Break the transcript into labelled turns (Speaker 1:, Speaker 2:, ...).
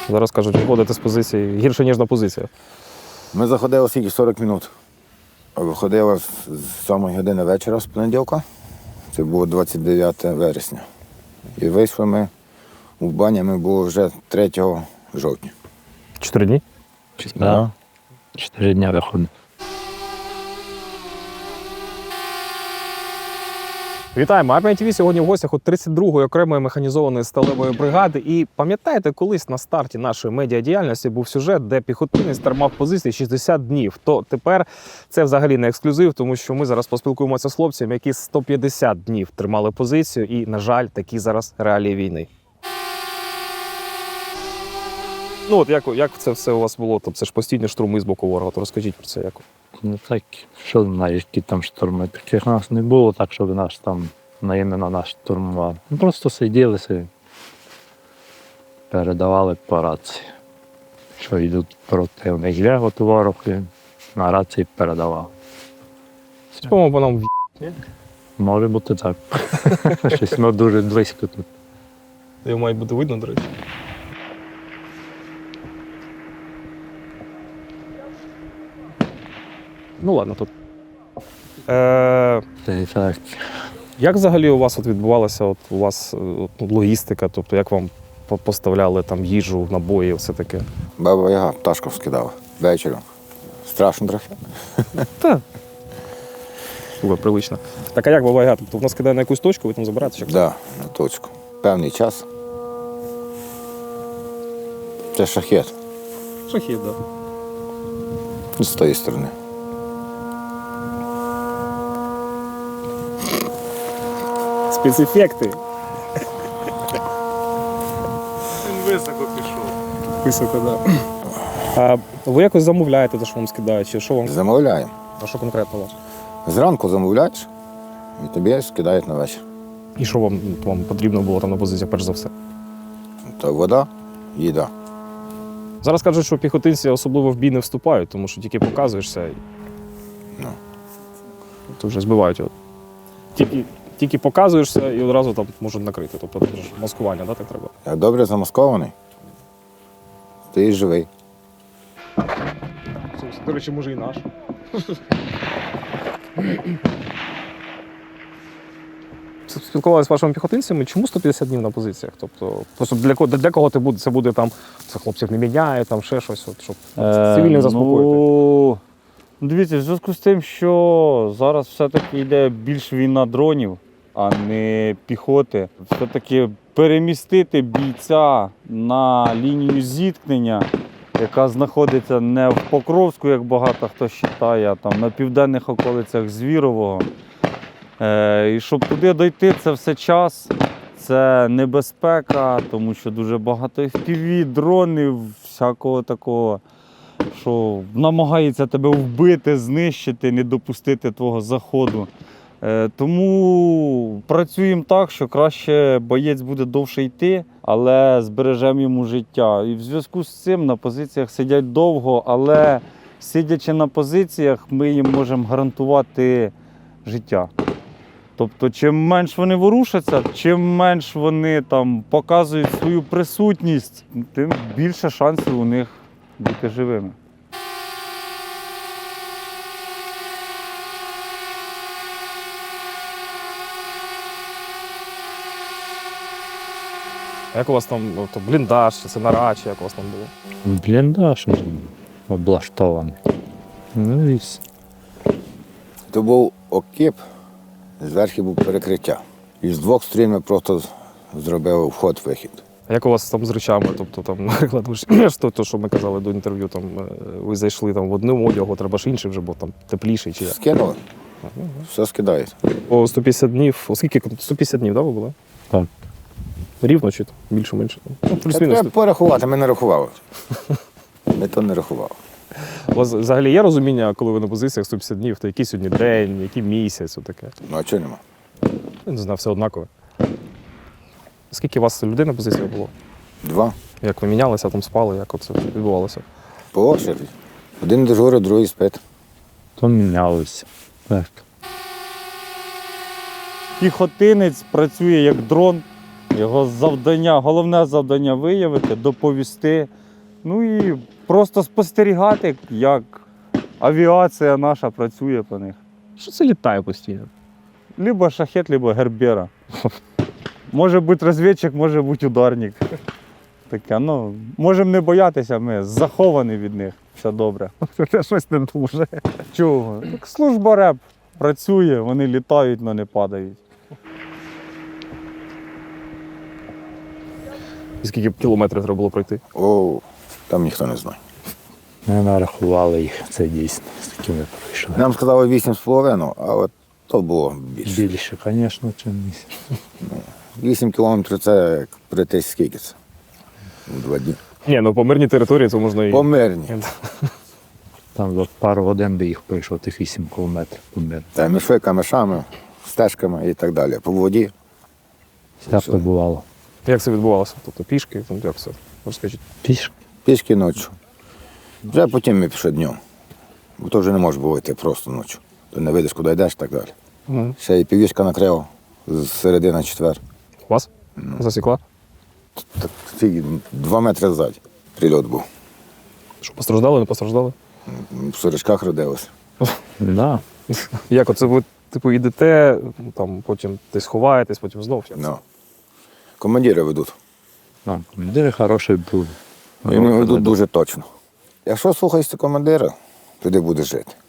Speaker 1: Зараз кажуть, виходити з позиції гірше, ніж на позиціях.
Speaker 2: Ми заходили скільки 40 минут. Виходили з 7 години вечора з понеділка. Це було 29 вересня. І вийшли ми у бані, ми були вже 3 жовтня.
Speaker 1: 4 дні?
Speaker 3: Да. 4 дня виходить.
Speaker 1: Вітаємо! Армія ТВ сьогодні в гостях у 32-ї окремої механізованої сталевої бригади. І пам'ятаєте, колись на старті нашої медіадіяльності був сюжет, де піхотинець тримав позиції 60 днів. То тепер це взагалі не ексклюзив, тому що ми зараз поспілкуємося з хлопцями, які 150 днів тримали позицію. І, на жаль, такі зараз реалії війни. Ну от як це все у вас було? Тобто це ж постійні штурми з боку ворога. То розкажіть про це як.
Speaker 3: Ну так, що знаєш, які там шторми. Таких нас не було, так щоб нас там іменно нас штурмували. Ми просто сиділи собі, передавали по рації. Що йдуть противник, я от ворог і на рації передавав.
Speaker 1: По-моєму, по нам
Speaker 3: Може бути так. Щось ми дуже близько тут.
Speaker 1: його має бути видно, до речі. Ну ладно, тут.
Speaker 3: Так.
Speaker 1: Як взагалі у вас відбувалася логістика? Тобто як вам поставляли там їжу, набої, все таке?
Speaker 2: Баба Яга пташку скидала вечором. Страшно трохи.
Speaker 1: Так. Слухай, прилично. Так, а як буває гад? Тобто вона скидає на якусь точку, ви там забираєте?
Speaker 2: Так, да, на точку. Певний час. Це шахет
Speaker 1: Шахід, так.
Speaker 2: з тої сторони.
Speaker 1: Спецефекти.
Speaker 4: Він високо пішов.
Speaker 1: Високо, так. А ви якось замовляєте те, що вам скидають? Чи що вам?
Speaker 2: Замовляємо.
Speaker 1: А що конкретно у вас?
Speaker 2: Зранку замовляєш і тобі скидають на вечір.
Speaker 1: І що вам потрібно було там на позиціях, перш за все?
Speaker 2: То вода, їда.
Speaker 1: Зараз кажуть, що піхотинці особливо в бій не вступають, тому що тільки показуєшся і
Speaker 2: Ну.
Speaker 1: то вже збивають його. Тільки показуєшся і одразу там можуть накрити. Тобто це ж маскування, да, так треба?
Speaker 2: Як добре замаскований, ти і живий.
Speaker 1: До речі, може і наш. Спілкувалися з вашими піхотинцями, чому 150 днів на позиціях? Тобто, просто для кого це буде там, це хлопців не міняє, там ще щось, от, щоб цивільних заспокоїти?
Speaker 4: Ну, дивіться, в зв'язку з тим, що зараз все-таки йде більш війна дронів, а не піхоти. Все-таки перемістити бійця на лінію зіткнення, яка знаходиться не в Покровську, як багато хто вважає, а там на південних околицях Звірового. І щоб туди дойти, це все час, це небезпека, тому що дуже багато FPV, дронів, всякого такого, що намагається тебе вбити, знищити, не допустити твого заходу. Тому працюємо так, що краще боєць буде довше йти, але збережемо йому життя. І в зв'язку з цим на позиціях сидять довго, але сидячи на позиціях, ми їм можемо гарантувати життя. Тобто, чим менш вони ворушаться, чим менш вони там показують свою присутність, тим більше шансів у них бути живими.
Speaker 1: А як у вас там бліндаж, чи це нара, чи як у вас там було?
Speaker 3: Бліндаж облаштований. Ну і все.
Speaker 2: То був окіп, зверху був перекриття. І з двох сторін ми просто зробили вход-вихід.
Speaker 1: А як у вас там з речами? Тобто, там, наприклад, ви ж то, що ми казали до інтерв'ю, там, ви зайшли там, в одному одягу, треба ж інший вже, бо там тепліший чи як?
Speaker 2: Скинули, все скидають.
Speaker 1: По 150 днів, оскільки 150 днів, да, ви були?
Speaker 3: Так.
Speaker 1: Рівно чи більше-менше? Ну, плюс-мінус.
Speaker 2: Треба порахувати, ми не рахували. Ми то не рахували.
Speaker 1: У вас взагалі є розуміння, коли ви на позиціях 150 днів, то який сьогодні день, який місяць, отаке?
Speaker 2: Ну а чого нема?
Speaker 1: Я не знаю, все однаково. Скільки у вас людей на позиціях було?
Speaker 2: 2.
Speaker 1: Як ви мінялися, там спали, як це відбувалося?
Speaker 2: По очереді. Один дежурить, другий спить.
Speaker 3: То мінялося. Так.
Speaker 4: Піхотинець працює як дрон, Його завдання, головне завдання виявити, доповісти. Ну і просто спостерігати, як авіація наша працює по них.
Speaker 1: Що це літає постійно?
Speaker 4: Либо шахет, либо гербера. Може бути розвідчик, може бути ударник. Таке, ну, можемо не боятися, ми заховані від них. Все добре.
Speaker 1: Це щось не дуже.
Speaker 4: Чого? Так служба РЕП працює, вони літають, але не падають.
Speaker 1: І скільки кілометрів треба було пройти?
Speaker 2: О, там ніхто не знає.
Speaker 3: Ми нарахували їх, це дійсно, з такими пройшли.
Speaker 2: Нам сказали 8,5, а от то було більше.
Speaker 3: Більше, звісно, чим місяць.
Speaker 2: 8 кілометрів це як прийти скільки це? У 2 дні.
Speaker 1: Ні, ну по мирній території це можна і.
Speaker 2: По мирні.
Speaker 3: Там за пару годин би їх пройшов тих 8 кілометрів по миру.
Speaker 2: Та мішли камешами, стежками і так далі. По воді.
Speaker 3: Всяке бувало.
Speaker 1: Як це відбувалося? Тобто пішки, там як це? Розкажіть.
Speaker 3: Пішки.
Speaker 2: Пішки ночі. Вже потім ми пішли днем. Бо то вже не може було йти просто ночі. То не видиш, куди йдеш і так далі.
Speaker 1: Угу.
Speaker 2: Ще і півішка накрила з середи на четвер.
Speaker 1: Вас? Засікла?
Speaker 2: Так, 2 метри ззаді прильот був.
Speaker 1: Що, постраждали, не постраждали?
Speaker 2: В сорочках родилися.
Speaker 3: Да.
Speaker 1: Як оце ви, типу, йдете, там, потім десь ховаєтесь, потім знов? Як це?
Speaker 2: Ну. Командири ведуть.
Speaker 3: Там командири хороші були.
Speaker 2: І вони ведуть дуже точно. Якщо слухаєшся командира, тоді будеш жити.